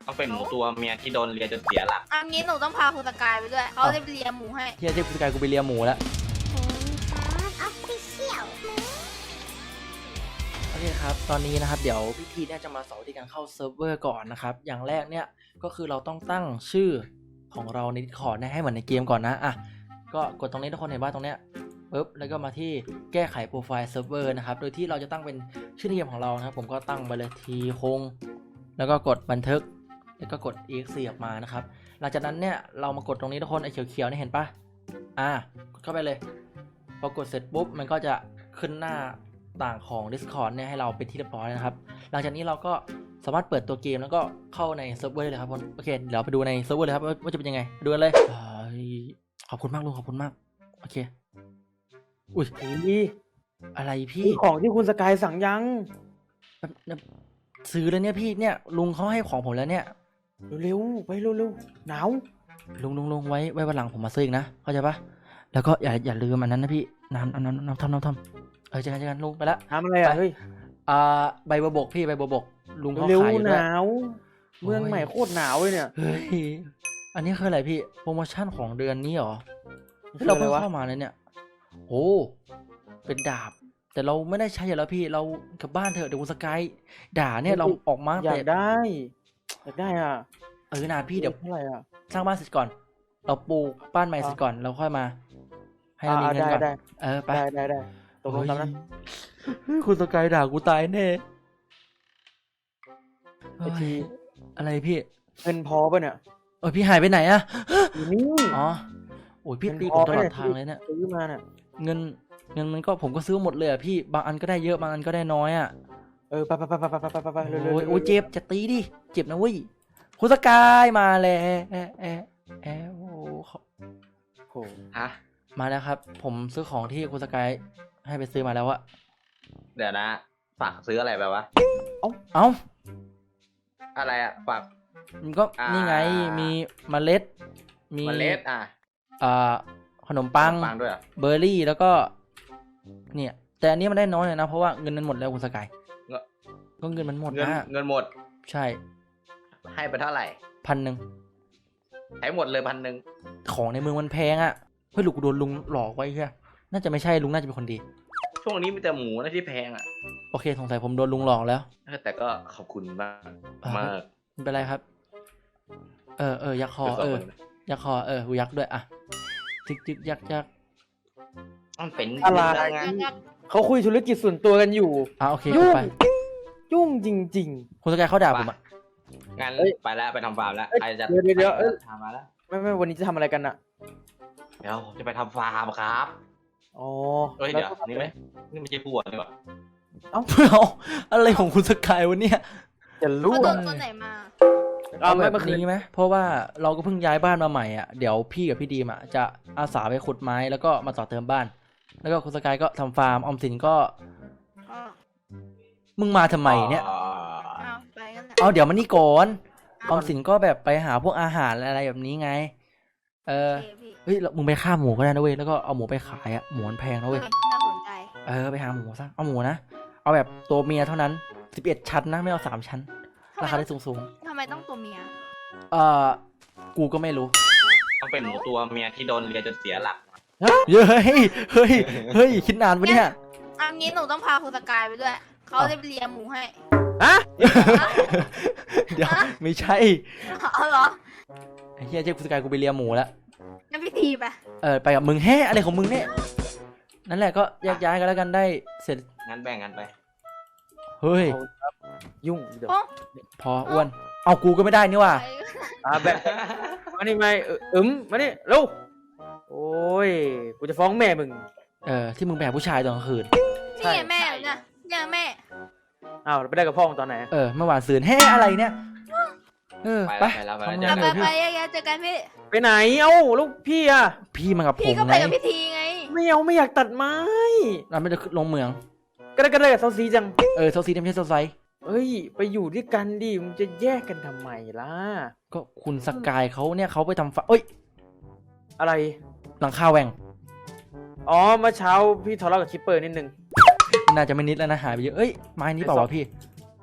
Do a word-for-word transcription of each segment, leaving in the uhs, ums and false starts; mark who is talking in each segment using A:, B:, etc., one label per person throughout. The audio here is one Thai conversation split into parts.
A: เขาเป็นหมูตัวเมียที่โดนเลียจนเสียหลัก
B: อันนี้หนูต้องพาคุณสกายไปด้วยเขาจะเลียหมูให้
C: เฮียเจ๊กูสกายกูไปเลียหมูแล้วโอเคครับตอนนี้นะครับเดี๋ยวพี่ทีเนี่ยจะมาสอนวิธีการเข้าเซิร์ฟเวอร์ก่อนนะครับอย่างแรกเนี่ยก็คือเราต้องตั้งชื่อของเราใน Discord เนี่ยให้เหมือนในเกมก่อนนะอ่ะก็กดตรงนี้ทุกคนเห็นว่าตรงเนี้ยปึ๊บแล้วก็มาที่แก้ไขโปรไฟล์เซิร์ฟเวอร์นะครับโดยที่เราจะตั้งเป็นชื่อในเกมของเรานะครับผมก็ตั้งไปเลยทีคงแล้วก็กดบันทึกแล้วก็กด exe ออกมานะครับหลังจากนั้นเนี่ยเรามากดตรงนี้ทุกคนไอ้เขียวๆนี่เห็นปะอ่ะกดเข้าไปเลยพอกดเสร็จปุ๊บมันก็จะขึ้นหน้าต่างของ Discord เนี่ยให้เราเป็นที่เรียบร้อยนะครับหลังจากนี้เราก็สามารถเปิดตัวเกมแล้วก็เข้าในเซิร์ฟเวอร์เลยครับผมโอเคเดี๋ยวไปดูในเซิร์ฟเวอร์เลยครับว่าจะเป็นยังไงดูกันเลยขอบคุณมากลุงขอบคุณมากโอเคอุ้ย
D: นี่
C: อะไรพี่
D: นี่ของที่คุณสกายสั่งยัง
C: ซื้อแล้วเนี่ยพี่เนี่ยลุงเขาให้ของผมแล้วเนี่ย
D: เร็วๆไปเร็วๆหนาว
C: ลุงลุงลุงไว้ไว้วันหลังผมมาซื้ออีกนะเข้าใจปะแล้วก็อย่าอย่าลืมอันนั้นนะพี่น้ำน้ำน้ำน้ำทำน้ำทำเออเจอกันเจอกันลุงไปละ
D: ทำอะไรอ่ะเฮ้ย
C: อ่าใบบัวบกพี่ใบบัวบกลุงเขา
D: เร็ว
C: ขายอยู่
D: ห
C: ด้วย
D: นาวเมืองใหม่โคตรหนาวเลยเนี่ย
C: เฮ้ยอันนี้คืออะไรพี่โปรโมชั่นของเดือนนี้เหรอ
D: คือ
C: เรา
D: อะไร
C: เพิ่ง
D: วะ
C: เข้ามาเลยเนี่ยโอ้เป็นดาบแต่เราไม่ได้ใช้อยู่แล้วพี่เรากลับบ้านเถอะเดี๋ยวคุณสกายด่าเนี่ยเราออกมา
D: อยา
C: แต่
D: กได้อยากได้อ่ะ
C: เออนาพี่เดี๋ยว
D: เท่าไหร่อ่ะ
C: สร้างบ้านเสร็จก่อนเราปลูกบ้านใหม่เสร็จก่อนเราค่อยมาให้เรามีเงินก่อน
D: ได้
C: เออไป
D: ได้ได้ได้ตกลงกันนะ
C: เฮ้ยคุณสกายด่ากูตายแน่
D: ไอที
C: อะไรพี่
D: เงินพอป่ะเนี่ย
C: เออพี่หายไปไหนอะ
D: อยู่นี่
C: อ๋อโอ้ยพี่
D: เงิน
C: ตี
D: พ
C: ผ
D: อ
C: มตลอด
D: ไหม
C: ทางเลยเนี่ย
D: ซื้อมาเนี่ย
C: เงินเงินมันก็ผมก็ซื้อหมดเลยอะพี่บางอันก็ได้เยอะบางอันก็ได้น้อยอะ
D: เออไปไปไปไปไปไปไปไปเร็ว
C: โอ้ย
D: ๆ
C: โอ้ยเจ็บจะตีดิเจ็บนะเว้ยคุณสกายมาแล้วแอะแอะแอะโอ้เขา
D: โอ้
A: ฮะ
C: มาแล้วครับ ผมซื้อของที่คุณสกายให้ไปซื้อมาแล้วอะ
A: เดี๋ยวนะฝากซื้ออะไรไปวะ
C: เอ้า
A: อะไรอะฝาก
C: มันก็
A: อ่านี่
C: นี่ไงมีเมล็ดมี
A: เมล็ดอ่ะ
C: อ่าขนมปัง
A: ขนมปังด้วยเหรอ
C: เบอร์รี่แล้วก็เนี่ยแต่อันนี้มันได้น้อยเลยนะเพราะว่าเงินมันหมดแล้วคุณสกายก็เงินมันหมด
A: เงิน
C: นะ
A: เงินหมด
C: ใช่
A: ให้ไปเท่าไหร่
C: พันหนึ่ง
A: ใช้หมดเลยพันหนึ่ง
C: ของในเมืองมันแพงอ่ะเฮ้ยลูกกูโดนลุงหลอกไว้ใช่น่าจะไม่ใช่ลุงน่าจะเป็นคนดี
A: ช่วงนี้มีแต่หมูนะที่แพงอ่ะ
C: โอเคสงสัยผมโดนลุงหลอกแล้ว
A: แต่ก็ขอบคุณมาก
C: อ่าม
A: มาก
C: ไม่เป็นไรครับ เออเออยักษ์คอเออยักษ์คอเออกูยักษ์ด้วยอ่ะจึกจึกยักษ์ยักษ์
A: มันเป็น
D: อะไร
A: งาน
D: เขาคุยธุรกิจส่วนตัวกันอยู่
C: อ่ะโอเค
D: ยุ่ง
C: ไป
D: ยุ่งจริง
C: คุณสกายเขาด่าผมอ่ะ
A: งั้น
D: เอ้ย
A: ไปแล้วไปทำฟาร์มแล้ว
D: เอ้ย
A: ใครจะ
D: เดี๋ยวเดี๋ยวเดี๋ยวเอ้ย
A: ทำมาแล้ว
D: ๆ ไม่ไม่วันนี้จะทำอะไรกันอะ
A: เดี๋ยวผมจะไปทำฟาร์มครับ
D: อ๋อ
A: เอ้ย
D: แล้
A: เดี๋ยว
D: ก็
A: นี่ไหมนี่ไม่ใช่ผัวนี่หว่า
C: เอาอะไรของคุณสกายวะเนี่ย
D: จะ
B: เขา
D: รู้
B: โด
D: อะ
B: นตัวไหนมา
D: เอา
C: เอา
D: ไม่
C: แบบ
D: เมื่อคืน
C: นี้ไหมเพราะว่าเราก็เพิ่งย้ายบ้านมาใหม่อ่ะเดี๋ยวพี่กับพี่ดีมอ่ะจะอาสาไปขุดไม้แล้วก็มาต่อเติมบ้าน แล้วก็คุณสกายก็ทำฟาร์มออมสินก็
B: อ๋อ
C: มึงมาทำไมเนี่ย
A: อ๋อ
B: เอาไปกันแหละ
C: เอาเดี๋ยวมานี่ก่อนออมสินก็แบบไปหาพวกอาหารอะไรแบบนี้ไง เออ
B: โอเคพี่
C: เฮ้ยเรามึงไปฆ่าหมูก็ได้นะเว้ยแล้วก็เอาหมูไปขายอ่ะหมูมันแพงนะเว้ย
B: น่าสนใจ
C: เออไปหาหมูซะเอาหมูนะเอาแบบตัวเมียเท่านั้นสิบเอ็ดชั้นนะไม่เอาสามชั้นราคาได้สูงสูง
B: ทำไมต้องตัวเมีย
C: ๆเออกูก็ไม่รู้
A: ต้องเป็นหมูตัวเมียที่โดนเลียจนเสียหลัก
C: เฮ้ยเฮ้ยเฮ้ยคิดนานปะเนี่ย
B: อันนี้หนูต้องพาคุณสกายไปด้วยเขาจะเลียหมูให้
D: ฮะ
C: เดี๋ยวไม่ใช่
B: เอาเหรอ
C: ไอ้เฮียเจ๊กูสกายกูไปเลียหมูแล้ว
B: งั้นพี่ทีไป
C: เออไปกับมึงแฮ่อะไรของมึงเนี่ยนั่นแหละก็แยกย้ายกันแล้วกันได้เสร็จ
A: งั้นแบ่งกันไป
C: เฮ้ย
D: เอาครับยุ่งเดี๋ยว
B: โอ้
C: พออ้วนเอากูก็ไม่ได้นี่ว่ะ
B: ไป
D: อ่าแบบมานี่ไม่เอออึมมานี่เร็วโอ้ยกูจะฟ้องแม่มึง
C: เออที่มึงแบกผู้ชายตอนกลางคืน
B: นี่ไงแม่เนี่ยเนี่ยแม่
D: อ้าวไปได้กับพ่อมึงตอนไหน
C: เออเมื่อวานซืนแฮ่อะไรเนี่ยเออไป
A: ไปแล้วไป
C: ทำ
A: แล้ว
C: งาน
B: ไป
C: เลย
B: ไป
C: พี่
B: ไปเจอกันพี่
D: ไปไหนเอ้าลูกพี่อะ
C: พี่มากับผ
B: พี่
C: ม
B: ก็ไป
C: ไง
B: กับพี่ทีไง
D: ไม่เอาไม่อยากตัดไม้
C: เราไม่ได้ลงเมือง
D: ก็ได้ก็ได้กับเซาซีจัง
C: เออโซซีไม่ใช่โซไซ
D: เอ้ยไปอยู่ด้วยกันดิมึงจะแยกกันทำไมล่ะ
C: ก็คุณสกายเขาเนี่ยเขาไปทำฟาเอ้ย
D: อะไร
C: หลังคาแหว่ง
D: อ๋อเมื่อเช้าพี่ทะเลาะกับคิปเปอร์นิดนึง
C: น่าจะไม่นิดแล้วนะหายไปเยอะเอ้ยไม้นี้เปล่าวะพี่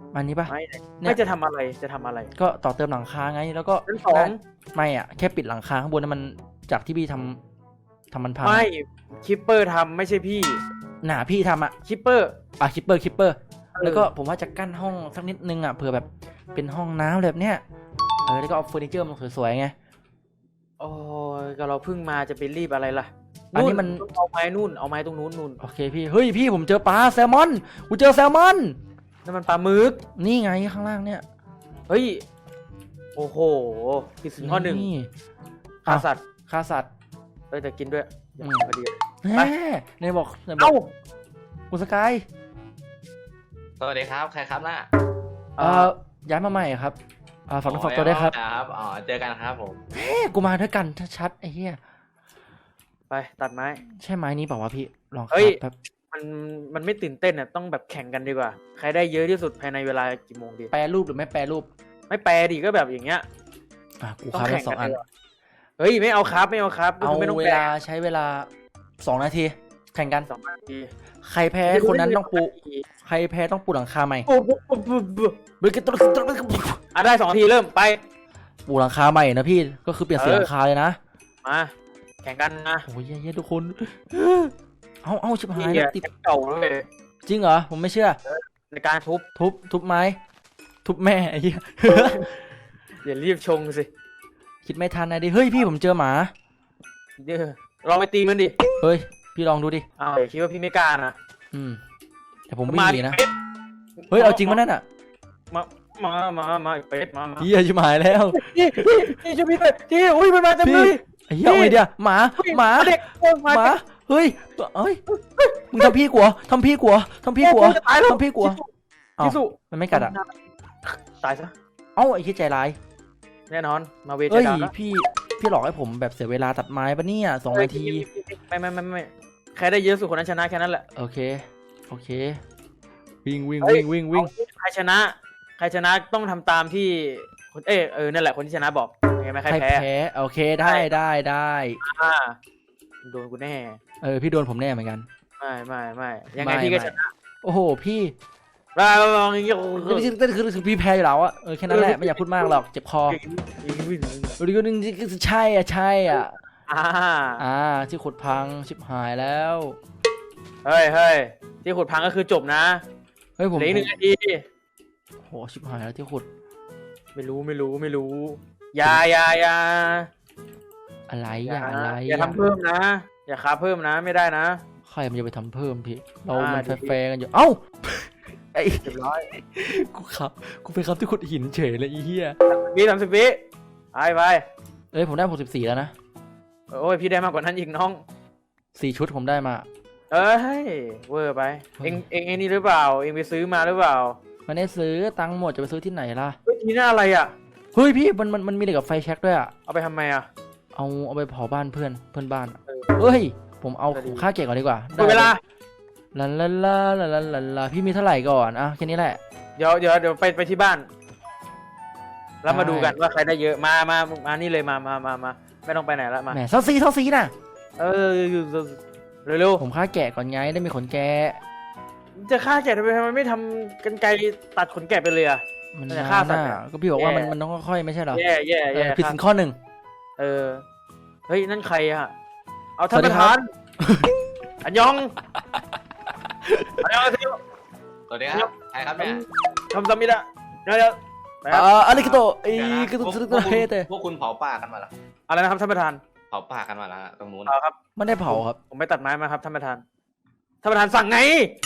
C: อันนี้ปะ
D: ไม่
C: เนี่ย
D: ไม่จะทำอะไรจะทำอะไร
C: ก็ต่อเติมหลังคาไงแล้วก็
D: ชั้นสอง
C: ไม่อ่ะแค่ปิดหลังคาข้างบนนั้นมันจากที่พี่ทำทำมันพัง
D: ไม่คิปเปอร์ทำไม่ใช่พี่
C: หนาพี่ทำอ่ะ
D: คิปเปอร์
C: อ่ะคิปเปอร์คิปเปอร์แล้วก็ผมว่าจะกั้นห้องสักนิดนึงอ่ะเผื่อแบบเป็นห้องน้ำแบบเนี้ยเออแล้วก็เอาเฟอร์นิเจอร์มันสวยๆไง
D: โอ้ยก็เราเพิ่งมาจะไปรีบอะไรล่ะ
C: อันนี้มัน
D: ต้องเอาไม้นู่นเอาไม้ตรงนู้นนู่น
C: โอเคพี่เฮ้ยพี่ผมเจอปลาแซลมอนกูเจอแซลมอน
D: นั่นมันปลาหมึก
C: นี่ไงข้างล่างเนี่ย
D: เฮ้ยโอ้โหผิดสินข้อหนึ่งฆ่าสัตว์
C: ฆ่าสัตว์
D: เอ้ยแต่กินด้วยอย่า
C: อืม
D: พอดี
C: แหมในบอกในบอ
D: เอ้าก
C: คุณสกาย
A: สวัสดีครับใครครับน่ะ
C: เอ่อย้ายมาใหม่ครับอ่าฝากน้องฝากตัวได้วยครับ
A: ครับอ๋อเจอกันครับผม
C: เฮ้กูมาด้วยกันชัดๆไอ้เหี้ย
D: ไปตัดไม้
C: ใช่ไม้นี้เปล่าวะพี่ลอง
D: เฮ้ย
C: ครับ
D: มันมันไม่ตื่นเต้นอ่ะต้องแบบแข่งกันดีกว่า ใครได้เยอะที่สุดภายในเวลากี่โมงดี
C: แปรรูปหรือไม่แปรรูป
D: ไม่แปลดิก็แบบอย่างเงี้ย
C: อ่ะกู
D: ต้อง
C: ค้าไป
D: แข่ง
C: สอง
D: กั
C: อัน
D: ดีกว่าเฮ้ยไม่เอาครับไม่เอาครับก็
C: เอา
D: คือไม่ต้อง
C: เว
D: แปล
C: ลาใช้เวลาสองนาทีแข่งกัน
D: สองนาที
C: ใครแพ้คนนั้นต้องปูใครแพ้ต้องปูหลังคาใหม่
D: ปุ๊บปุ๊บปุ๊บปุ๊บปุ๊บ
C: เบรกตุ๊ดตุ๊ดตุ๊ดตุ๊ด
D: อ่ะได้สองนาทีเริ่มไป
C: ปูหลังคาใหม่นะพี่ก็คือเปลี่ยนสี
D: เออ
C: หลังคาเลยนะ
D: มาแข่งกันนะ
C: โอ้ยเย้ๆทุกคนเอาเอาชิบหาย
D: นี่
C: แล้วติด
D: เก่าเลย
C: จริงเหรอผมไม่เชื่อ
D: ในการทุบ
C: ทุบทุบไม้ทุบแม่ไอ้เหี้ย
D: อย่ารีบชงสิ
C: คิดไม่ทันนะดิเฮ้ยพี่ผมเจอหมา
D: เดี๋ยวลองไปตีมันดิ
C: เฮ้ยพี่ลองดูดิ
D: อ้าวคิดว่าพี่ไม่กล้านะ
C: อืมแต่ผมวิ่งหนีนะ
D: เป็ด
C: เฮ้ยเอาจริงมั้ยนั่นอ่ะ
D: มามามามาเป็ดมามา
C: เหี้ยชิบหายแล้ว
D: นี่นี่ช่วยพี่หน่อยที่อุ้ยมันมาเต็มเลย
C: ไอ้เหี้ยเอาไงเดียวหมาหมา
D: เด็กโอ้ยมา
C: หมาเฮ้ยเฮ้ยมึงทำพี่กลัวทำพี่กลัวทำพี่กลัว
D: จะตายแล้ว
C: ทำพี่กลัวเอ้า
D: พิสุ
C: มันไม่กัดอ่ะ
D: ตายซะ
C: เอ้าไอ้ที่ใจร้าย
D: แน่นอนมาเว
C: เอ้ย
D: จดานะ
C: พี่พี่หลอกให้ผมแบบเสียเวลาตัดไม้ปะเนี่ยสองนาที
D: ไม่ไม่ไม่ไม่ใครได้เยอะสุดคนนั้นชนะแค่นั้นแหละ
C: โอเคโอเควิ่งวิ่ง
D: เฮ้ย
C: วิ่งวิ่งวิ่ง
D: ใครชนะ ใครชนะต้องทำตามที่คนเออเออนั่นแหละคนที่ชนะบอกเห็นไหมใคร
C: ใคร
D: แพ้
C: แพ้โอเคได้ได้ได้
D: อ่าโดนกูแน่
C: เออพี่โดนผมแน่เหมือนกัน
D: ไม่ไม่ไม่ยังไง
C: ไม่
D: พี่ก็
C: ไม่
D: ชนะ
C: โอ้โหพี่
D: มาลองอย่างเงี้ย
C: คือคือคือพี่แพ้อยู่แล้วอะเออแค่นั้นแหละไม่อยากพูดมากหรอกเจ็บคอดีก็นึงใช่อ่ะใช่อ่ะ
D: อ่า
C: อ่าที่ขุดพังชิบหายแล้ว
D: เฮ้ยเฮ้ยที่ขุดพังก็คือจบนะ
C: เฮ้ยผม
D: เหลืออีกหนึ่งนาที
C: โหชิบหายแล้วที่ขุด
D: ไม่รู้ไม่รู้ไม่รู้อย่าอย่าอย่า
C: อะไรอย่าอะไร
D: อย่าทำเพิ่มนะ อย่าคาเพิ่มนะไม่ได้นะ
C: ใครมันจะไปทำเพิ่มพี่เรา
D: อ่า
C: มัน
D: ดี
C: แฟร์ๆกันอยู่เอ้าไอ้
D: เรียบร้อย
C: กูครับกูไปครับที่ขุดหินเฉยเลยไอ้เหี้ย
D: วิสามสิบวิไปไป
C: เอ้ยผมได้หกสิบสี่แล้วนะ
D: โอ้ยพี่ได้มากกว่านั้นอีกน้อง
C: สี่ชุดผมได้มา
D: เอ้ยเวอร์ไป เอ็งเอ็งเอ็งนี่หรือเปล่า เอ็งไปซื้อมาหรือเปล่า
C: ไม่ได้ซื้อตังค์หมดจะไปซื้อที่ไหนล่ะ
D: เฮ้ยทีน่าอะไรอ่ะ
C: เฮ้ยพี่มันมันมันมีเหล็กกับไฟแช็กด้วยอะ
D: เอาไปทำไมอ่ะ
C: เอาเอาไปเผาบ้านเพื่อนเพื่อนบ้าน
D: เออ
C: เฮ้ยผมเอา
D: ก็ดี
C: ค่าเก็บก่อนดีกว่า
D: หมดเวลา
C: ลาลาลาลาลาลาลาพี่มีเท่าไหร่ก่อนอ่ะแค่นี้แหละ
D: เดี๋ยวเดี๋ยวเดี๋ยวไปไปที่บ้าน แล้วมา
C: ได้
D: ดูกันว่าใครได้เยอะ มามามานี่เลยมามามามาไม่ต้องไปไหนละมา
C: แหมเท่าซีเท่าซีน่ะ
D: เออเร็ว
C: ผมค่าแกะก่อนไงได้มีขนแกะ
D: ๆจะฆ่าแกะทำไมทำไมไม่ทำกันไกรตัดขนแกะไปเลยอ่ะ
C: มัน
D: มันจะ
C: นาน
D: ฆ่าสัตว์
C: น่ะ
D: อะ
C: ก็พี่บอกว่า
D: แย่
C: มันมันต้องค่อยๆไม่ใช่เหรอ
D: แย่แย่
C: เอ
D: แย่
C: อผิดสินข้อหนึ่ง
D: เออ เฮ้ย นั่นใครอะเอา
C: สวั
D: ท่าน
C: สดี
D: ประ
C: ครั
D: ธา
C: บ
D: น อันยอง อันยองอาเซโย
A: สวัสดีครับใครครับเนี่ย
D: ทำซามิดะเดี๋ยวเดี๋ยวไปค
C: อ่
D: รับ
C: าอะไรกันโตไอ้
A: เดี๋ยวนะ
C: กระตุก
A: พว
C: กระตุก
A: พว
C: เฮ
A: คุณ
C: เต
A: พวกคุณเผาป่ากันมาเหรอ
D: อะไรนะครับท่านประธาน
A: เผาป่ากันมาแล้วตรงนู้น
D: เอาครับ
C: ไม่ได้เผาครับ
D: ผมไปตัดไม้มาครับท่านประธาน ท่านประธานสั่งไง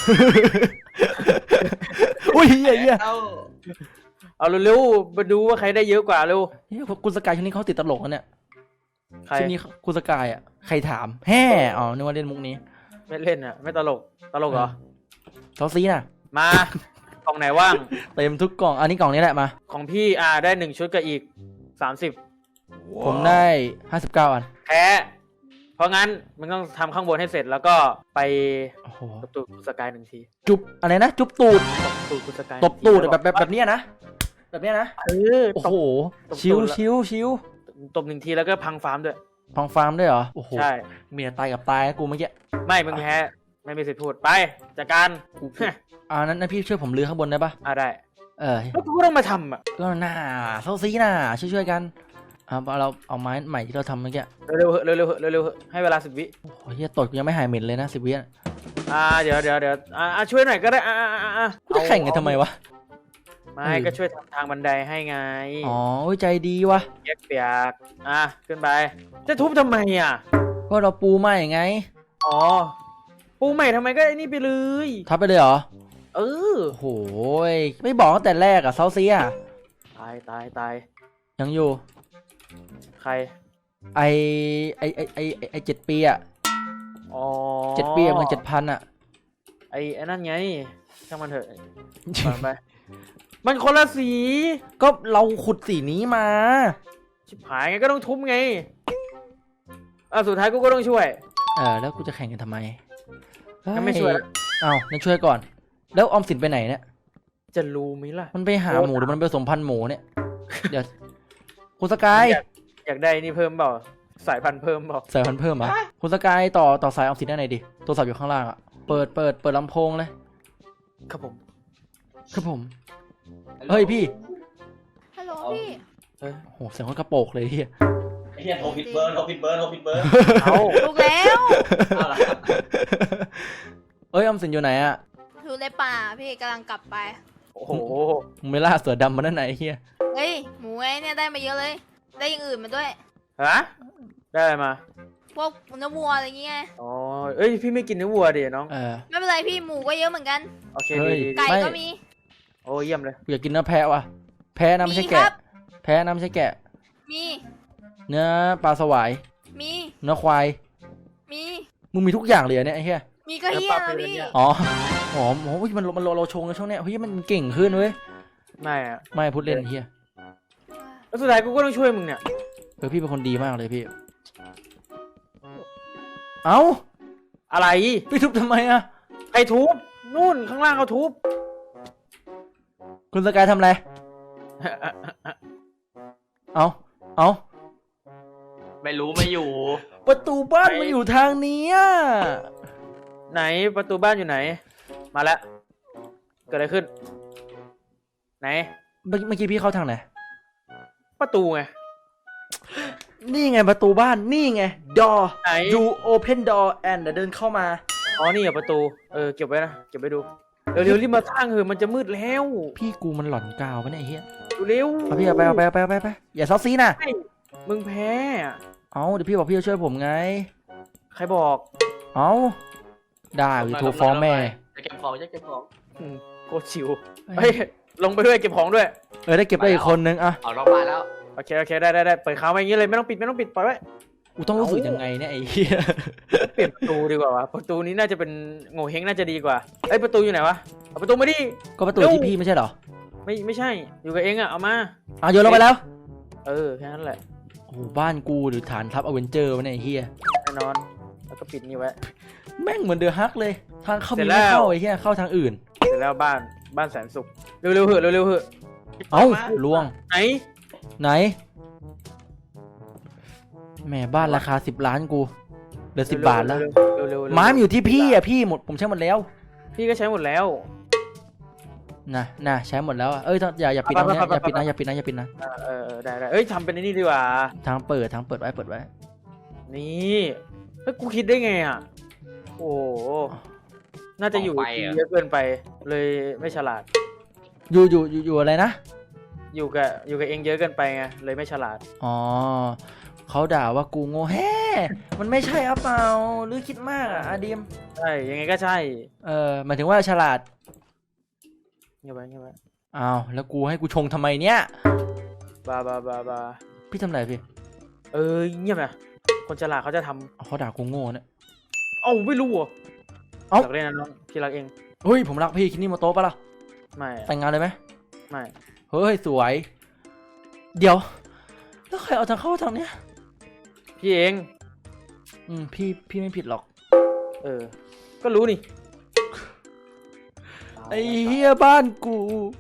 C: อุ้ยเหี้ยเหี้ย
A: เอ้า
D: เอาเร็วๆมาดูว่าใครได้เยอะกว่าเร็ว
C: เฮ้ยคุณสกายช่วงนี้เขาติดตลกนะเนี่ย
D: ใคร
C: ช่วงนี้คุณสกายอ่ะใครถามแฮ่อ๋อนึกว่าเล่นมุกนี้
D: ไม่เล่นอ่ะ ไม่ตลก ตลกเหรอ
C: เท่าซีน่ะ
D: มา กล่องไหนว่าง
C: เต็มทุกกล่องอันนี้กล่องนี้แหละมา
D: ของพี่อ่าได้หนึ่งชุดกับอีกสามสิบ
C: ผมได้ห้าสิบเก้าอัน
D: แพ้ เพราะงั้นมึงต้องทำข้างบนให้เสร็จแล้วก็ไป
C: โอ้โห
D: ตบตูดคุณสกายหนึ่งที
C: จุบอะไรนะจุบตูด
D: ตบตูดคุณสกาย
C: ตบตูด
D: หนึ่งที
C: แบบแบบแบบเนี้ยนะแบบเนี้ยนะ
D: เออ
C: โอ้
D: ตบ
C: โห
D: ตบ
C: ชิว
D: ตูดละ
C: ชิวชิว
D: ตบหนึ่งทีแล้วก็พังฟาร์มด้วย
C: พังฟาร์มด้วยเหรอโอ้โห
D: ใช่
C: เมียตายกับตายนะกูเมื่อกี้
D: ไม่มึงแพ้ไม่มีสิทธิ์พูดไปจัดการ
C: อ่านั้นนั้นพี่ช่วยผมลื้อข้างบนได้ปะ
D: อ่าได้
C: เออ
D: แล้วกูก็ต้องมาทำอ่ะ
C: ก็น่าเซาซีน่าช่วยๆกันเอาเราเอาไม้ใหม่ที่เราทำเมื่อกี้
D: เร็วๆเหอะเร็วๆเหอะเร็วๆเหอะให้เวลาสิบวิ
C: โอ้ยเฮียตดกูยังไม่หายเหม็นเลยนะสิบวิอ่ะ
D: อ่าเดี๋ยวเดี๋ยวเดี๋ยวอ่าอ่าช่วยหน่อยก็ได้อ่าอ่าอ่าอ่า
C: กูจะแข่งกันทำไมวะ
D: ไม่
C: เออ
D: ก็ช่วยทำทางบันไดให้ไง
C: อ๋อโอ้ยใจดีวะ
D: เปียกเปียกอ่ะขึ้นไปจะทุบทำไมอ่ะ
C: ก็เราปูใหม่ไง
D: อ๋อปูใหม่ทำไมก็ไอ้นี่ไปเลย
C: ทับไปเลยเหรอ
D: เออ
C: โอ้โหยไม่บอกตั้งแต่แรกอะเซาซีอะ
D: ตายตายตาย
C: ยังอยู่
D: ใคร
C: ไอไอไอไอไอ้ไอเจ็ดปีอะ
D: อ๋อ
C: เจ็ดปีอะมันเจ็ดพันอะ
D: ไอ้ไอ้นั่นไงช่างมันเถอะผ่านไปมันคนละสี
C: ก็เราขุดสีนี้มา
D: ชิบหายไงก็ต้องทุบไงอ่ะสุดท้ายกูก็ต้องช่วย
C: เออแล้วกูจะแข่งกันทำไม
D: งั้นไม่ช่วยละ
C: เอ้างั้นช่วยก่อน แล้วออมสินไปไหนเนี่ย
D: จะรู้ไหมล่ะ
C: มันไปหา
D: โอ้
C: หมูหรือมันไปผสมพันธุ์หมูเนี่ย เดี๋ยวคุณสกาย
D: อยากอยากได้นี่เพิ่มเปล่าสายพันธุ์เพิ่มเปล่า
C: สายพันธุ์เพิ่มเหรอ่ะคุณสกายต่อต่อสายออมสินได้ไหนดิโทรศัพท์อยู่ข้างล่างอ่ะ เปิดเปิดเปิดลำโพงเลย
D: ครับผม
C: ครับผม เฮ้ยพี่
B: ฮัลโหลพี่
D: เฮ้ย
C: โอ้โหเสียงคนกระโปกเลยเฮีย
A: ไอ้เหี้ยโทรผิดเบอร์โทรผิดเบอร์โทรผิดเบอร์
D: เอา
B: ถูกแล้ว
A: เอาล่ะ
C: เอ้ยออมสินอยู่ไหนอ่ะ
B: อยู่ในป่าพี่กำลังกลับไป
D: โอ้โห
C: มึงไม่ล่าเสือดำมาด้านไหนเฮีย
B: เฮ้ยหมูไอ้เนี่ยได้มาเยอะเลย ได้อย่างอื่นมาด้วย
D: ฮะได้อะไรมา
B: พวกเนื้อวัวอะไรเงี้ย
D: อ๋อเอ้ยพี่ไม่กินเนื้อวัวดิน้อง
C: เออ
B: ไม่เป็นไรพี่หมูก็เยอะเหมือนกัน
D: โอเค
C: เฮ้
D: ดี
C: ย
D: ดี
B: ไก่
C: ไม่
B: ก็มี
D: โอ้เยี่ยมเลย
C: กูอยากกินเนื้อแพะว่ะ แพะนะไม่ใช่
B: มีครั
C: แกะ
B: บ
C: แพะนะไม่ใช่แกะ
B: มี
C: เนื้อปลาสวาย
B: มี
C: เนื้อควาย
B: มี
C: มึงมีทุกอย่างเลยเหรอเนี่ยไอ้เหี้ย
B: มีก็เฮียแล้วพี่
C: อ๋ออ๋อโอ้ยมันมันเราเราชงกันช่วงเนี้ยเฮ้ยมันเก่งขึ้นเว้ย
D: ไม่อะ
C: ไม่พูดเล่นไอ้เหี้ย
D: แล้วสุดท้ายกูก็ต้องช่วยมึงเนี่ย
C: เออพี่เป็นคนดีมากเลยพี่ เอ้า
D: อะไร
C: พี่ทุบทำไมอะ
D: ใครทุบนู่นข้างล่างเขาทุบ
C: คุณสกายทำอะไร เอาเอา
A: ไม่รู้ไม่อยู่
C: ประตูบ้านมันอยู่ทางนี้อะ
D: ไหนประตูบ้านอยู่ไหน มาแล้วเกิดอะไรขึ้น ไหน
C: เมื่อเมื่อกี้พี่เข้าทางไหน
D: ประตูไง
C: นี่ไงประตูบ้าน นี่ไง door
D: ไหน
C: you open door and เดินเข้ามา
D: อ๋อนี่เหรอประตูเออเก็บไว้นะเก็บไว้ดูเร็วๆรีบมาสร้างเถอะมันจะมืดแล้ว
C: พี่กูมันหลอนกาวปะเนี่ยไอ้เหี้ย
D: เร็ว
C: เอาพี่เอาไปเอาไปเอาไปเอาไปเอาไปอย่าซอสซีนะ
D: มึงแพ้อะ
C: เอาเดี๋ยวพี่บอกพี่จะช่วยผมไง
D: ใครบอก
C: เอาได้วิโทรฟ้องแม่
A: จะเก็บของจะเก็บของ
D: อืมโคตรชิวเฮ้ยลงไปด้วยเก็บของด้วย
C: เออได้เก็บได้อีกคนนึงอะ
A: เอานอกบ้านแล้ว
D: โอเคโอเคได้ได้ได้เปิดค้างไว้อย่างนี้เลยไม่ต้องปิดไม่ต้องปิดปล่อยไว้
C: กูต้องรู้สึกยังไงเนี่ยไอ้เหี้ย
D: เปลี่ยนประตูดีกว่าวะประตูนี้น่าจะเป็นโง่เฮงน่าจะดีกว่าเอ้ยประตูอยู่ไหนวะเอาประตูมาดิ
C: ก็ประตูที่พี่ไม่ใช่เหรอ
D: ไม่ไม่ใช่อยู่กับเองอะเอามา
C: อ่ะโยนลงไปแล้ว
D: เออแค่นั้นแหละ
C: โอ้โหบ้านกูหรือฐานทัพอเวนเจอร์วะเนี่ยไอ้เหี้ย
D: แน่นอนแล้วก็ปิดนี่ไว้
C: แม่งเหมือนเดอะฮักเลย ทางเข้า
D: เสร็
C: มี
D: จแล้
C: ไม่
D: ว
C: เข้าไอ้เหี้ยเข้าทางอื่น
D: เสร็จแล้วบ้านบ้านแสนสุขเร็วๆเหอะเร็วๆเหอะ
C: เอ้าล่วง
D: ไหน
C: ไหนแหม่บ้านราคาสิบล้านกูเหลือสิบบาทแล้ว
D: เร็วๆเร็วๆ
C: ไม้มันอยู่ที่พี่อ่ะพี่หมดผมใช้หมดแล้ว
D: พี่ก็ใช้หมดแล้ว
C: นะนะใช้หมดแล้วอะเอ้ยอย่าอย่าปิดตรงนี้อย่าปิดนะอย่าปิดนะอย่าปิดนะ
D: เออเออเออได้ได้เอ้ยทำเป็นไอ้นี่ดีกว่า
C: ทางเปิดทางเปิดไว้เปิดไว้
D: นี่เฮ้ยกูคิดได้ไงอ่ะโอ้โหน่าจะอยู่ที่เยอะเกินไป เลยไม่ฉลาด
C: อยู่อยู่อยู่อยู่อะไรนะ
D: อยู่กับอยู่กับเองเยอะเกินไปไงเลยไม่ฉลาด
C: อ๋อเขาด่าว่ากูโง่แฮ่มันไม่ใช่อะเปล่าหรือคิดมากอะอาดิม
D: ใช่ยังไงก็ใช่
C: เออหมายถึงว่าฉลาด
D: เงียบไว้เงียบไว้
C: อ้าวแล้วกูให้กูชงทำไมเนี่ย
D: บาบาบาบา
C: พี่ทำอะไรพี่
D: เออเงียบนะคนฉลาดเขาจะท
C: เขาด่ากูโง่เนี่ย
D: ำเอ้าไม่รู้เหรอ
C: เอ้า
D: รักเล่นนะน้องพี่รักเอง
C: เฮ้ยผมรักพี่คิดนี่มาโต๊ะปะล่ะ
D: ไม่อะ
C: แต่งงานเลยไหม
D: ไม่
C: เฮ้ยสวย เดี๋ยวแล้วใครเอาทางเข้าทางเนี้ย
D: พี่เอง
C: อืมพี่พี่ไม่ผิดหรอก
D: เออ ก็รู้นี่
C: ไอ้เฮียบ้านกู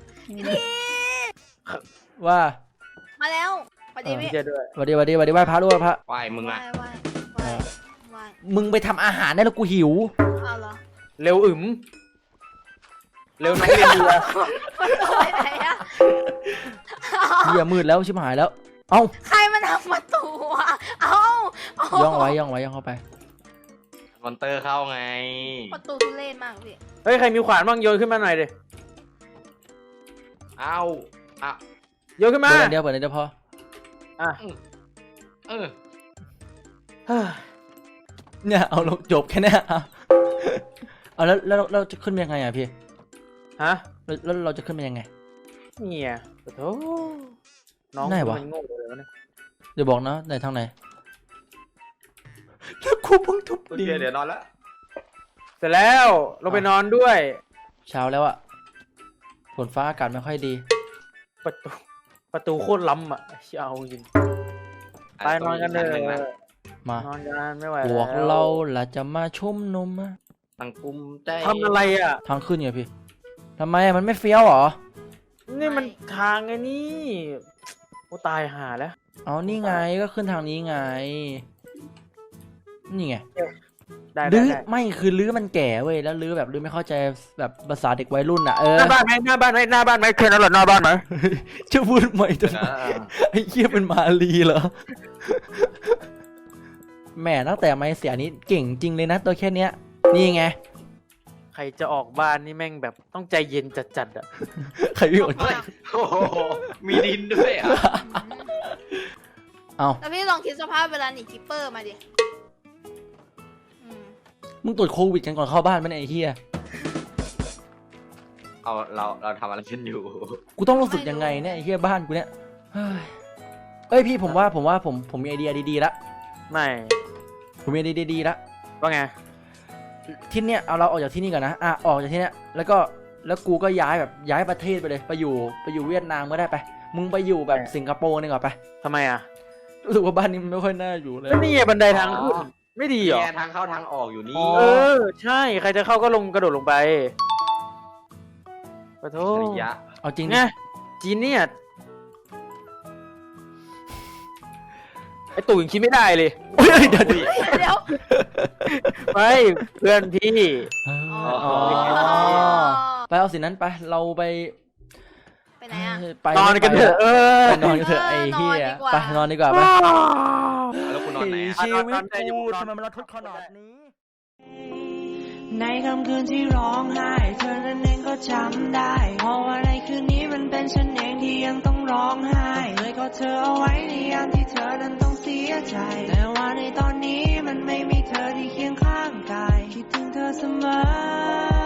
C: ว่า
B: มาแล้วพอดีพี่
D: พี่เจด้วย
C: สวัสดีสวัสดีสวัสดีไหว้พระด้วยพระ
A: ไหวมึง
B: ไหว
A: อ่ะ
B: ไหวไหวไหว
C: มึงไปทำอาหารได้แล้วกูหิว
B: เอาเหรอ
D: เร็วอึมเร็วน้องเรียนดีอะ
B: ประตูไปไหนอะ
C: เฮียมืดแล้วชิบหายแล้ว เอ้า
B: ใครมันทำประตูอะเอ้าเา
C: ย่องไว้ย่องไว้ย่องเข้าไป
A: มอนเตอร์เข้าไง
B: ประตูทุเรศมากพี่
D: เฮ้ยใครมีขวานบ้างโยนขึ้นมาหน่อยดิ
A: เอ้าอ่ะ
D: โยนขึ้นมา
C: เปิดอันเดียวเปิดอันเดียวพอ
D: อ่ะ
A: เออ
D: เฮ้ย
C: เนี่ยเอาลงจบแค่เนี้ยเอาเอาแล้วแล้วเราจะขึ้นไปยังไงอ่ะพี่
D: ฮะ
C: แล้วแล้วเราจะขึ้นไปยังไง
D: เนี่ยโอ้โหน้อง
C: ไหนวะ
D: มันโง่เลยวะเนี่ย
C: เดี๋ยวบอกนะไหนทางไหนแล้วกูเพิ่งทุบ
A: โอ
C: ดิ
A: เคเดี๋ยวนอนแล้ว
D: เสร็จแล้วลงไปนอนด้วย
C: เช้าแล้วอะฝนฟ้าอากาศไม่ค่อยดี
D: ประตูประตูโคตรล้ำอ่ะเชี่ยเอาจริงไปนอนกันเลย
C: มา
D: นอนกันไม่ไหว
C: พ
D: แล้ว
C: วกเราล่ะจะมาชุ่มนมอะ
A: ตั้งกลุ่มใจ
D: ทำอะไรอ่ะ
C: ทางขึ้นไงพี่ทำไมอะมันไม่เฟี้ยวเหรอ
D: นี่มันทางไงนี่โอ้ตายห่าแล้ว
C: เอานี่ไงก็ขึ้นทางนี้ไง นี่ไง
D: ได้ได้
C: ลื้อ
D: ได้
C: ไม่คือลื้อมันแก่เว้ยแล้วลื้อแบบลื้อไม่เข้าใจแบบภาษาเด็กวัยรุ่นอะเออ
D: หน้าบ้านไหมหน้าบ้านไหมหน้าบ้านไหมเคนเอาหรอหน้าบ้านไหม
C: จะพูดใหม่จน
A: อ่า
C: ไอ้เหี้ยเป็นมาลีเหรอแหม่ตั้งแต่ไม่เสียนี้เก่งจริงเลยนะตัวแค่เนี้ย นี่ไง
D: ใครจะออกบ้านนี่แม่งแบบต้องใจเย็นจัดๆอ่ะ
C: ใครพี่อด
A: เฮ้ยโอ้โหมีดินด้วยอ่ะ
C: เอา
B: แล้วพี่ลองคิดสภาพเวลาหนีคิปเปอร์มาดิอืม
C: มึงตรวจโควิดกันก่อนเข้าบ้านไหมเนี่ยไอ้เหี้ย
A: เอาเราเราทำอะไรกันอยู่
C: กูต้องรู้สึกยังไงเนี่ยไอ้เหี้ยบ้านกูเนี่ยเฮ้ยเอ้ยพี่ผมว่าผมว่าผมผมมีไอเดียดีๆละ
D: ไม่
C: ผมมีไอเดียดีๆละ
D: ว่าไง
C: ที่เนี้ยเอาเราออกจากที่นี่ก่อนนะอ่ะออกจากที่เนี้ยแล้วก็แล้วกูก็ย้ายแบบย้ายประเทศไปเลยไปอยู่ไปอยู่เวียดนามก็ได้ไปมึงไปอยู่แบบสิงคโปร์นี่ก่อนไป
D: ทำไมอ่ะ
C: รู้สึกว่าบ้านนี้มันไม่ค่อยน่าอยู่เลย
D: ก็นี่ไงบันไดทางขึ้นไม่ดีเหรอ
A: เนี่ยทางเข้าทางออกอยู่นี่
D: เออ ใช่ใครจะเข้าก็ลงกระโดดลงไปขอโท
A: สุ
D: ษ
A: ริยะ
C: เอาจริง
D: ไง
C: ดิ
D: จีนเนี่ยไอตู่ยังคิดไม่ได้เลย
C: เฮ้ยเดี๋ยวเดี๋ยว
B: เดี๋ยว
D: ไม่เพื่อนพี่
C: เออ
B: อ๋
C: อ๋
B: อ
C: อไปเอาสินั้นไปเราไป
B: ไปไหนอะ
C: ไป
D: นอนกันเถอะเออ
C: ไปนอนกันเถอะไอ้เหี้ยไปนอนดีกว่าไป
A: แล้วคุณนอนไหนอะ
C: ชีวิต
D: นอนได้อยู่
C: กู
D: นอน
C: ทำไมมันระทดขนาดนี้
E: ในค่ำคืนที่ร้องไห้เธอนั้นเองก็จำได้เพราะว่าในคืนนี้มันเป็นฉันเองที่ยังต้องร้องไห้เคยกอดเธอเอาไว้ในยามที่เธอนั้นต้องเสียใจแต่ว่าในตอนนี้มันไม่มีเธอที่เคียงข้างกายคิดถึงเธอเสมอ